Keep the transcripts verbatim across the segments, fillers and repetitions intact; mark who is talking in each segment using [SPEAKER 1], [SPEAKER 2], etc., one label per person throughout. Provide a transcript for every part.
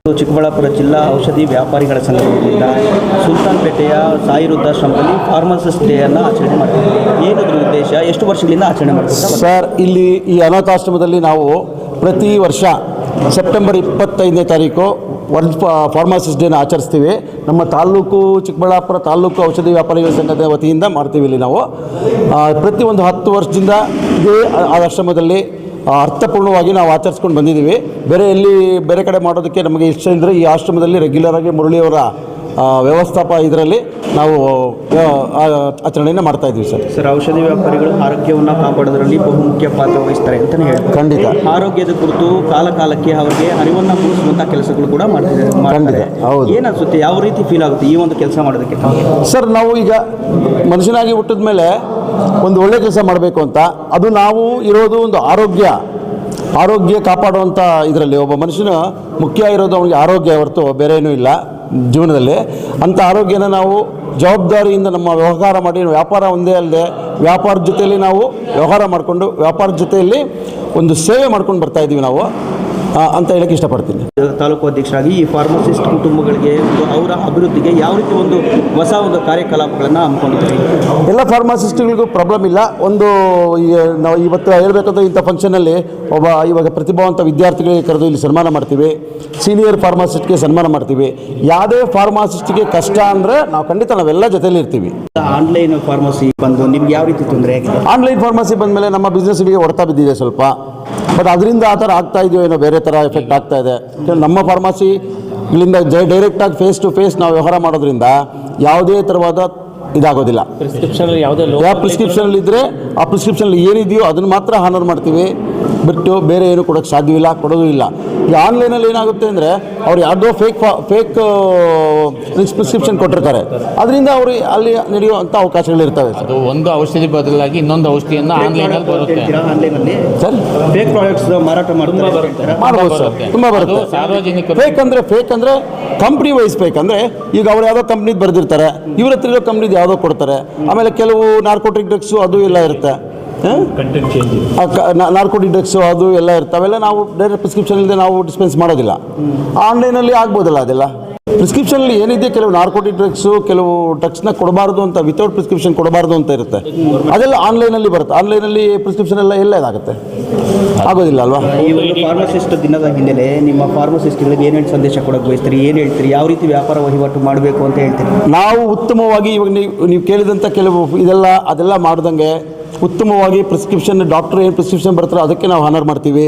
[SPEAKER 1] ಚಿಕ್ಕಬಳ್ಳಾಪುರ ಜಿಲ್ಲಾ ಔಷಧಿ ವ್ಯಾಪಾರಿಗಳ ಸಂಘದಿಂದ ಸುಲ್ತಾನ್ಪೇಟೆಯ ಸಾಯಿ ವೃದ್ಧಾಶ್ರಮದಲ್ಲಿ ಫಾರ್ಮಸಿಸ್ಟ್ ಡೇಯನ್ನು ಆಚರಣೆ ಮಾಡ್ತಿದ್ದೀವಿ. ಏನದ್ರ ಉದ್ದೇಶ, ಎಷ್ಟು ವರ್ಷಗಳಿಂದ ಆಚರಣೆ ಮಾಡ್ತೀವಿ
[SPEAKER 2] ಸರ್? ಇಲ್ಲಿ ಈ ಅನಾಥಾಶ್ರಮದಲ್ಲಿ ನಾವು ಪ್ರತಿ ವರ್ಷ ಸೆಪ್ಟೆಂಬರ್ ಇಪ್ಪತ್ತೈದನೇ ತಾರೀಕು ವರ್ಲ್ಡ್ ಫಾರ್ಮಸಿಸ್ಟ್ ಡೇನ ಆಚರಿಸ್ತೀವಿ. ನಮ್ಮ ತಾಲೂಕು ಚಿಕ್ಕಬಳ್ಳಾಪುರ ತಾಲೂಕು ಔಷಧಿ ವ್ಯಾಪಾರಿಗಳ ಸಂಘದ ವತಿಯಿಂದ ಮಾಡ್ತೀವಿ. ಇಲ್ಲಿ ನಾವು ಪ್ರತಿ ಒಂದು ಹತ್ತು ವರ್ಷದಿಂದ ಇದೇ ಆಶ್ರಮದಲ್ಲಿ ಅರ್ಥಪೂರ್ಣವಾಗಿ ನಾವು ಆಚರಿಸ್ಕೊಂಡು ಬಂದಿದ್ದೀವಿ. ಬೇರೆ ಎಲ್ಲಿ ಬೇರೆ ಕಡೆ ಮಾಡೋದಕ್ಕೆ ನಮಗೆ ಇಷ್ಟ ಇದ್ದರೆ ಈ ಆಶ್ರಮದಲ್ಲಿ ರೆಗ್ಯುಲರಾಗಿ ಮುರಳಿಯವರ ವ್ಯವಸ್ಥಾಪ ಇದರಲ್ಲಿ ನಾವು ಆಚರಣೆಯನ್ನು ಮಾಡ್ತಾ ಇದ್ದೀವಿ ಸರ್.
[SPEAKER 1] ಸರ್, ಔಷಧಿ ವ್ಯಾಪಾರಿಗಳು ಆರೋಗ್ಯವನ್ನು ಕಾಪಾಡೋದ್ರಲ್ಲಿ ಬಹುಮುಖ್ಯ ಪಾತ್ರ ವಹಿಸ್ತಾರೆ ಅಂತಲೇ ಹೇಳ್ತಾರೆ.
[SPEAKER 2] ಖಂಡಿತ.
[SPEAKER 1] ಆರೋಗ್ಯದ ಕುರಿತು ಕಾಲ ಕಾಲಕ್ಕೆ ಅವರಿಗೆ ಅರಿವನ್ನು ಮೂಡಿಸುವಂಥ ಕೆಲಸಗಳು ಕೂಡ ಮಾಡ್ತಿದ್ದಾರೆ.
[SPEAKER 2] ಖಂಡಿತ. ಹೌದು.
[SPEAKER 1] ಏನಿಸುತ್ತೆ, ಯಾವ ರೀತಿ ಫೀಲ್ ಆಗುತ್ತೆ ಈ ಒಂದು ಕೆಲಸ ಮಾಡೋದಕ್ಕೆ?
[SPEAKER 2] ಸರ್, ನಾವು ಈಗ ಮನುಷ್ಯನಾಗಿ ಹುಟ್ಟಿದ ಮೇಲೆ ಒಂದು ಒಳ್ಳೆ ಕೆಲಸ ಮಾಡಬೇಕು ಅಂತ, ಅದು ನಾವು ಇರೋದು ಒಂದು ಆರೋಗ್ಯ ಆರೋಗ್ಯ ಕಾಪಾಡುವಂಥ ಇದರಲ್ಲಿ ಒಬ್ಬ ಮನುಷ್ಯನ ಮುಖ್ಯ ಇರೋದು ಅವನಿಗೆ ಆರೋಗ್ಯ ಹೊರತು ಬೇರೆ ಏನೂ ಇಲ್ಲ ಜೀವನದಲ್ಲಿ. ಅಂಥ ಆರೋಗ್ಯನ ನಾವು ಜವಾಬ್ದಾರಿಯಿಂದ ನಮ್ಮ ವ್ಯವಹಾರ ಮಾಡಿ, ವ್ಯಾಪಾರ ಒಂದೇ ಅಲ್ಲದೆ ವ್ಯಾಪಾರದ ಜೊತೆಯಲ್ಲಿ ನಾವು ವ್ಯವಹಾರ ಮಾಡಿಕೊಂಡು ವ್ಯಾಪಾರದ ಜೊತೆಯಲ್ಲಿ ಒಂದು ಸೇವೆ ಮಾಡ್ಕೊಂಡು ಬರ್ತಾಯಿದ್ದೀವಿ ನಾವು ಅಂತ ಹೇಳಕ್ಕೆ ಇಷ್ಟಪಡ್ತೀನಿ.
[SPEAKER 1] ತಾಲೂಕು ಅಧ್ಯಕ್ಷರಾಗಿ ಈ ಫಾರ್ಮಸಿಸ್ಟ್ ಕುಟುಂಬಗಳಿಗೆ ಅವರ ಅಭಿವೃದ್ಧಿಗೆ ಯಾವ ರೀತಿ ಒಂದು ಹೊಸ ಒಂದು ಕಾರ್ಯಕಲಾಪಗಳನ್ನು ಹಮ್ಮಿಕೊಂಡಿದ್ದೀವಿ?
[SPEAKER 2] ಎಲ್ಲ ಫಾರ್ಮಸಿಸ್ಟ್ಗಳಿಗೂ ಪ್ರಾಬ್ಲಮ್ ಇಲ್ಲ. ಒಂದು ನಾವು ಇವತ್ತು ಹೇಳ್ಬೇಕಂದ್ರೆ ಇಂಥ ಫಂಕ್ಷನಲ್ಲಿ ಒಬ್ಬ ಇವಾಗ ಪ್ರತಿಭಾವಂತ ವಿದ್ಯಾರ್ಥಿಗಳಿಗೆ ಕರೆದು ಇಲ್ಲಿ ಸನ್ಮಾನ ಮಾಡ್ತೀವಿ. ಸೀನಿಯರ್ ಫಾರ್ಮಸಿಸ್ಟ್ಗೆ ಸನ್ಮಾನ ಮಾಡ್ತೀವಿ. ಯಾವುದೇ ಫಾರ್ಮಸಿಸ್ಟ್ಗೆ ಕಷ್ಟ ಅಂದರೆ ನಾವು ಖಂಡಿತ ನಾವೆಲ್ಲ ಜೊತೆಯಲ್ಲಿ ಇರ್ತೀವಿ.
[SPEAKER 1] ಆನ್ಲೈನ್ ಫಾರ್ಮಸಿ ಬಂದು ನಿಮ್ಗೆ ಯಾವ ರೀತಿ ತೊಂದರೆ ಆಗಿದೆ?
[SPEAKER 2] ಆನ್ಲೈನ್ ಫಾರ್ಮಸಿ ಬಂದಮೇಲೆ ನಮ್ಮ ಬಿಸ್ನೆಸ್ಗೆ ಹೊಡೆತ ಬಿದ್ದಿದೆ ಸ್ವಲ್ಪ. ಬಟ್ ಅದರಿಂದ ಆ ಥರ ಆಗ್ತಾ ಇದೆಯೋ ಏನೋ ಬೇರೆ ಥರ ಎಫೆಕ್ಟ್ ಆಗ್ತಾ ಇದೆ. ನಮ್ಮ ಫಾರ್ಮಸಿ ಇಲ್ಲಿಂದ ಜೈ ಡೈರೆಕ್ಟಾಗಿ ಫೇಸ್ ಟು ಫೇಸ್ ನಾವು ವ್ಯವಹಾರ ಮಾಡೋದ್ರಿಂದ ಯಾವುದೇ ಥರವಾದ ಇದಾಗೋದಿಲ್ಲ.
[SPEAKER 3] ಪ್ರಿಸ್ಕ್ರಿಪ್ಷನ್ ಯಾವುದೇ
[SPEAKER 2] ಯಾವ ಪ್ರಿಸ್ಕ್ರಿಪ್ಷನಲ್ಲಿ ಇದ್ದರೆ ಆ ಪ್ರಿಸ್ಕ್ರಿಪ್ಷನಲ್ಲಿ ಏನಿದೆಯೋ ಅದನ್ನು ಮಾತ್ರ ಹಾನರ್ ಮಾಡ್ತೀವಿ, ಬಿಟ್ಟು ಬೇರೆ ಏನು ಕೊಡೋಕ್ಕೆ ಸಾಧ್ಯವಿಲ್ಲ, ಕೊಡೋದು ಇಲ್ಲ. ಈ ಆನ್ಲೈನಲ್ಲಿ ಏನಾಗುತ್ತೆ ಅಂದರೆ ಅವ್ರು ಯಾವುದೋ ಫೇಕ್ ಫೇಕ್ ಪ್ರಿಸ್ಕ್ರಿಪ್ಷನ್ ಕೊಟ್ಟಿರ್ತಾರೆ. ಅದರಿಂದ ಅವರು ಅಲ್ಲಿ ನಡೆಯುವಂಥ ಅವಕಾಶಗಳಿರ್ತವೆ.
[SPEAKER 3] ಅದು ಒಂದು ಔಷಧಿ ಬದಲಾಗಿ ಇನ್ನೊಂದು ಔಷಧಿಯನ್ನು ಆನ್ಲೈನಲ್ಲಿ ಬರುತ್ತೆ.
[SPEAKER 1] ಆನ್ಲೈನಲ್ಲಿ
[SPEAKER 2] ಸರ್
[SPEAKER 1] ಫೇಕ್ ಪ್ರಾಡಕ್ಟ್ಸ್ ಮಾರಾಟ ಮಾಡ್ತಾರೆ.
[SPEAKER 2] ಮಾಡ್ಬೋದು ಸರ್, ತುಂಬ ಬರುತ್ತೆ.
[SPEAKER 3] ಸಾರ್ವಜನಿಕ
[SPEAKER 2] ಫೇಕ್ ಅಂದರೆ ಫೇಕ್ ಅಂದರೆ ಕಂಪ್ನಿ ವೈಸ್ ಫೇಕ್ ಅಂದರೆ ಈಗ ಅವ್ರು ಯಾವುದೋ ಕಂಪ್ನಿದು ಬರೆದಿರ್ತಾರೆ, ಇವ್ರ ಹತ್ರ ಇರೋ ಕಂಪ್ನಿದು ಯಾವುದೋ ಕೊಡ್ತಾರೆ. ಆಮೇಲೆ ಕೆಲವು ನಾರ್ಕೋಟಿಕ್ ಡ್ರಗ್ಸು ಅದು ಎಲ್ಲ ಇರುತ್ತೆ, ನಾರ್ಕೋಟಿಕ್ ಡ್ರಗ್ಸು ಅದು ಎಲ್ಲ ಇರ್ತಾವೆಲ್ಲ. ನಾವು ಡೈರೆಕ್ಟ್ ಪ್ರಿಸ್ಕ್ರಿಪ್ಷನ್ ಇಲ್ಲದೆ ನಾವು ಡಿಸ್ಪೆನ್ಸ್ ಮಾಡೋದಿಲ್ಲ. ಆನ್ಲೈನಲ್ಲಿ ಆಗ್ಬೋದಲ್ಲ ಅದೆಲ್ಲ. ಪ್ರಿಸ್ಕ್ರಿಪ್ಷನಲ್ಲಿ ಏನಿದೆ, ಕೆಲವು ನಾರ್ಕೋಟಿಕ್ ಡ್ರಗ್ಸು ಕೆಲವು ಡ್ರಗ್ಸ್ನ ಕೊಡಬಾರ್ದು ಅಂತ, ವಿತೌಟ್ ಪ್ರಿಸ್ಕ್ರಿಪ್ಷನ್ ಕೊಡಬಾರ್ದು ಅಂತ ಇರುತ್ತೆ. ಅದೆಲ್ಲ ಆನ್ಲೈನಲ್ಲಿ ಬರುತ್ತೆ. ಆನ್ಲೈನಲ್ಲಿ ಪ್ರಿಸ್ಕ್ರಿಪ್ಷನ್ ಎಲ್ಲ ಎಲ್ಲ ಇದಾಗುತ್ತೆ, ಆಗೋದಿಲ್ಲ ಅಲ್ವಾ?
[SPEAKER 1] ಈ ಒಂದು ಫಾರ್ಮಸಿಸ್ಟ್ ದಿನದ ಹಿನ್ನೆಲೆ ನಿಮ್ಮ ಫಾರ್ಮಸಿಸ್ಟ್ಗಳಿಗೆ ಏನೇನು ಸಂದೇಶ ಕೊಡೋಕೆ ಬಯಸ್ತೀರಿ? ಏನು ಹೇಳ್ತೀರಿ? ಯಾವ ರೀತಿ ವ್ಯಾಪಾರ ವಹಿವಾಟು ಮಾಡಬೇಕು ಅಂತ ಹೇಳ್ತೀರಿ?
[SPEAKER 2] ನಾವು ಉತ್ತಮವಾಗಿ ಇವಾಗ ನೀವು ನೀವು ಕೇಳಿದಂಥ ಕೆಲವು ಇದೆಲ್ಲ ಅದೆಲ್ಲ ಮಾಡ್ದಂಗೆ ಉತ್ತಮವಾಗಿ ಪ್ರಿಸ್ಕ್ರಿಪ್ಷನ್, ಡಾಕ್ಟ್ರ್ ಏನು ಪ್ರಿಸ್ಕ್ರಿಪ್ಷನ್ ಬರ್ತಾರೋ ಅದಕ್ಕೆ ನಾವು ಹಾನರ್ ಮಾಡ್ತೀವಿ.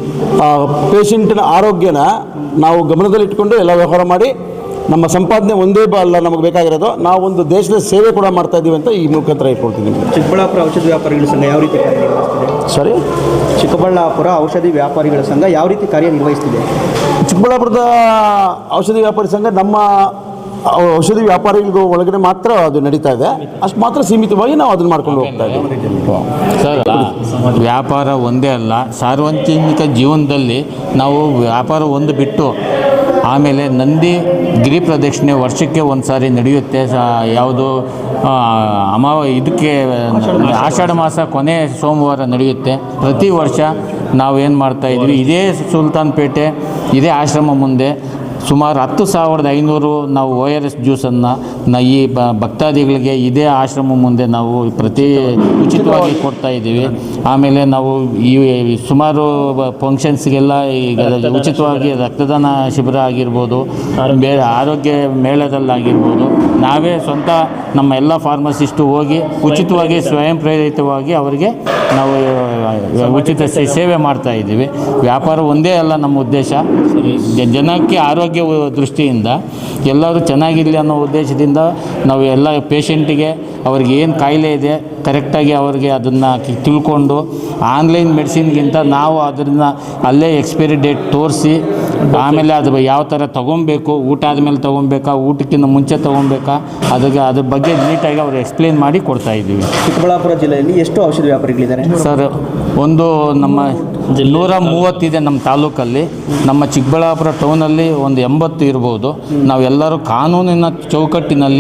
[SPEAKER 2] ಪೇಷಂಟಿನ ಆರೋಗ್ಯನ ನಾವು ಗಮನದಲ್ಲಿಟ್ಕೊಂಡು ಎಲ್ಲ ವ್ಯವಹಾರ ಮಾಡಿ ನಮ್ಮ ಸಂಪಾದನೆ ಒಂದೇ ಬ ಅಲ್ಲ ನಮಗೆ ಬೇಕಾಗಿರೋದು, ನಾವು ಒಂದು ದೇಶದ ಸೇವೆ ಕೂಡ ಮಾಡ್ತಾ ಇದ್ದೀವಿ ಅಂತ ಈ ಮುಖಾಂತರ ಹೇಳ್ಕೊಳ್ತೀನಿ.
[SPEAKER 1] ಚಿಕ್ಕಬಳ್ಳಾಪುರ ಔಷಧಿ ವ್ಯಾಪಾರಿಗಳ ಸಂಘ ಯಾವ ರೀತಿ ಕಾರ್ಯನಿರ್ವಹಿಸ್ತಿದೆ?
[SPEAKER 2] ಸರಿ,
[SPEAKER 1] ಚಿಕ್ಕಬಳ್ಳಾಪುರ ಔಷಧಿ ವ್ಯಾಪಾರಿಗಳ ಸಂಘ ಯಾವ ರೀತಿ ಕಾರ್ಯನಿರ್ವಹಿಸ್ತಿದೆ?
[SPEAKER 2] ಚಿಕ್ಕಬಳ್ಳಾಪುರದ ಔಷಧಿ ವ್ಯಾಪಾರಿ ಸಂಘ ನಮ್ಮ ಔಷಧಿ ವ್ಯಾಪಾರಿಗಳಿಗೂ ಒಳಗಡೆ ಮಾತ್ರ ಅದು ನಡೀತಾ ಇದೆ. ಅಷ್ಟು ಮಾತ್ರ ಸೀಮಿತವಾಗಿ ನಾವು ಅದನ್ನು ಮಾಡ್ಕೊಂಡು ಹೋಗ್ತಾ ಇದ್ದೀವಿ.
[SPEAKER 3] ಸರ್, ವ್ಯಾಪಾರ ಒಂದೇ ಅಲ್ಲ, ಸಾರ್ವಜನಿಕ ಜೀವನದಲ್ಲಿ ನಾವು ವ್ಯಾಪಾರ ಒಂದು ಬಿಟ್ಟು ಆಮೇಲೆ ನಂದಿ ಗಿರಿ ಪ್ರದಕ್ಷಿಣೆ ವರ್ಷಕ್ಕೆ ಒಂದು ಸಾರಿ ನಡೆಯುತ್ತೆ. ಯಾವುದು ಅಮಾವ ಇದಕ್ಕೆ ಆಷಾಢ ಮಾಸ ಕೊನೆ ಸೋಮವಾರ ನಡೆಯುತ್ತೆ. ಪ್ರತಿ ವರ್ಷ ನಾವು ಏನು ಮಾಡ್ತಾಯಿದ್ವಿ, ಇದೇ ಸುಲ್ತಾನ್ಪೇಟೆ ಇದೇ ಆಶ್ರಮ ಮುಂದೆ ಸುಮಾರು ಹತ್ತು ಸಾವಿರದ ಐನೂರು ನಾವು ಓ ಆರ್ ಎಸ್ ಜ್ಯೂಸನ್ನು ನ ಈ ಭಕ್ತಾದಿಗಳಿಗೆ ಇದೇ ಆಶ್ರಮ ಮುಂದೆ ನಾವು ಪ್ರತಿ ಉಚಿತವಾಗಿ ಕೊಡ್ತಾಯಿದ್ದೀವಿ. ಆಮೇಲೆ ನಾವು ಈ ಸುಮಾರು ಫಂಕ್ಷನ್ಸ್ಗೆಲ್ಲ ಈಗ ಉಚಿತವಾಗಿ ರಕ್ತದಾನ ಶಿಬಿರ ಆಗಿರ್ಬೋದು, ಬೇರೆ ಆರೋಗ್ಯ ಮೇಳದಲ್ಲಾಗಿರ್ಬೋದು, ನಾವೇ ಸ್ವಂತ ನಮ್ಮ ಎಲ್ಲ ಫಾರ್ಮಸಿಸ್ಟು ಹೋಗಿ ಉಚಿತವಾಗಿ ಸ್ವಯಂ ಪ್ರೇರಿತವಾಗಿ ಅವರಿಗೆ ನಾವು ಉಚಿತ ಸೇವೆ ಮಾಡ್ತಾಯಿದ್ದೀವಿ. ವ್ಯಾಪಾರ ಒಂದೇ ಅಲ್ಲ ನಮ್ಮ ಉದ್ದೇಶ, ಜನಕ್ಕೆ ಆರೋಗ್ಯ ದೃಷ್ಟಿಯಿಂದ ಎಲ್ಲರೂ ಚೆನ್ನಾಗಿರಲಿ ಅನ್ನೋ ಉದ್ದೇಶದಿಂದ ನಾವು ಎಲ್ಲ ಪೇಷಂಟಿಗೆ ಅವ್ರಿಗೆ ಏನು ಕಾಯಿಲೆ ಇದೆ ಕರೆಕ್ಟಾಗಿ ಅವ್ರಿಗೆ ಅದನ್ನು ತಿಳ್ಕೊಂಡು ಆನ್ಲೈನ್ ಮೆಡಿಸಿನ್ಗಿಂತ ನಾವು ಅದನ್ನು ಅಲ್ಲೇ ಎಕ್ಸ್ಪೈರಿ ಡೇಟ್ ತೋರಿಸಿ ಆಮೇಲೆ ಅದು ಯಾವ ಥರ ತೊಗೊಬೇಕು, ಊಟ ಆದಮೇಲೆ ತೊಗೊಬೇಕಾ, ಊಟಕ್ಕಿಂತ ಮುಂಚೆ ತೊಗೊಬೇಕಾ, ಅದಕ್ಕೆ ಅದ್ರ ಬಗ್ಗೆ ನೀಟಾಗಿ ಅವ್ರು ಎಕ್ಸ್ಪ್ಲೇನ್ ಮಾಡಿ ಕೊಡ್ತಾಯಿದ್ದೀವಿ.
[SPEAKER 1] ಚಿಕ್ಕಬಳ್ಳಾಪುರ ಜಿಲ್ಲೆಯಲ್ಲಿ ಎಷ್ಟು ಔಷಧಿ ವ್ಯಾಪಾರಿಗಳಿದ್ದಾರೆ
[SPEAKER 3] ಸರ್? ಒಂದು ನಮ್ಮ ನೂರ ಮೂವತ್ತಿದೆ ನಮ್ಮ ತಾಲೂಕಲ್ಲಿ. ನಮ್ಮ ಚಿಕ್ಕಬಳ್ಳಾಪುರ ಟೌನಲ್ಲಿ ಒಂದು ಎಂಬತ್ತು ಇರ್ಬೋದು. ನಾವೆಲ್ಲರೂ ಕಾನೂನಿನ ಚೌಕಟ್ಟಿನಲ್ಲಿ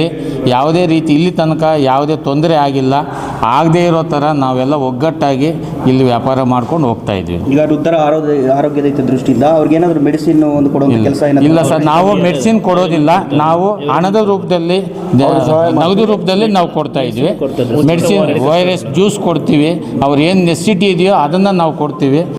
[SPEAKER 3] ಯಾವುದೇ ರೀತಿ ಇಲ್ಲಿ ತನಕ ಯಾವುದೇ ತೊಂದರೆ ಆಗಿಲ್ಲ. ಆಗದೇ ಇರೋ ಥರ ನಾವೆಲ್ಲ ಒಗ್ಗಟ್ಟಾಗಿ ಇಲ್ಲಿ ವ್ಯಾಪಾರ ಮಾಡ್ಕೊಂಡು ಹೋಗ್ತಾ ಇದ್ವಿ.
[SPEAKER 1] ಈಗ ವೃದ್ಧರ ಆರೋಗ್ಯ ಆರೋಗ್ಯದ ಹಿತ ದೃಷ್ಟಿಯಿಂದ ಅವ್ರಿಗೆ ಏನಾದರೂ ಮೆಡಿಸಿನ್ ಒಂದು ಕೊಡುವಂಥ ಕೆಲಸ ಏನಾದರೂ
[SPEAKER 3] ಇಲ್ಲ ಸರ್, ನಾವು ಮೆಡಿಸಿನ್ ಕೊಡೋದಿಲ್ಲ. ನಾವು ಹಣದ ರೂಪದಲ್ಲಿ ನಗದು ರೂಪದಲ್ಲಿ ನಾವು ಕೊಡ್ತಾ ಇದ್ವಿ. ಮೆಡಿಸಿನ್, ವೈರಸ್ ಜ್ಯೂಸ್ ಕೊಡ್ತೀವಿ. ಅವ್ರು ಏನು ನೆಸಿಟಿ ಇದೆಯೋ ಅದನ್ನು ನಾವು ಕೊಡ್ತೀವಿ.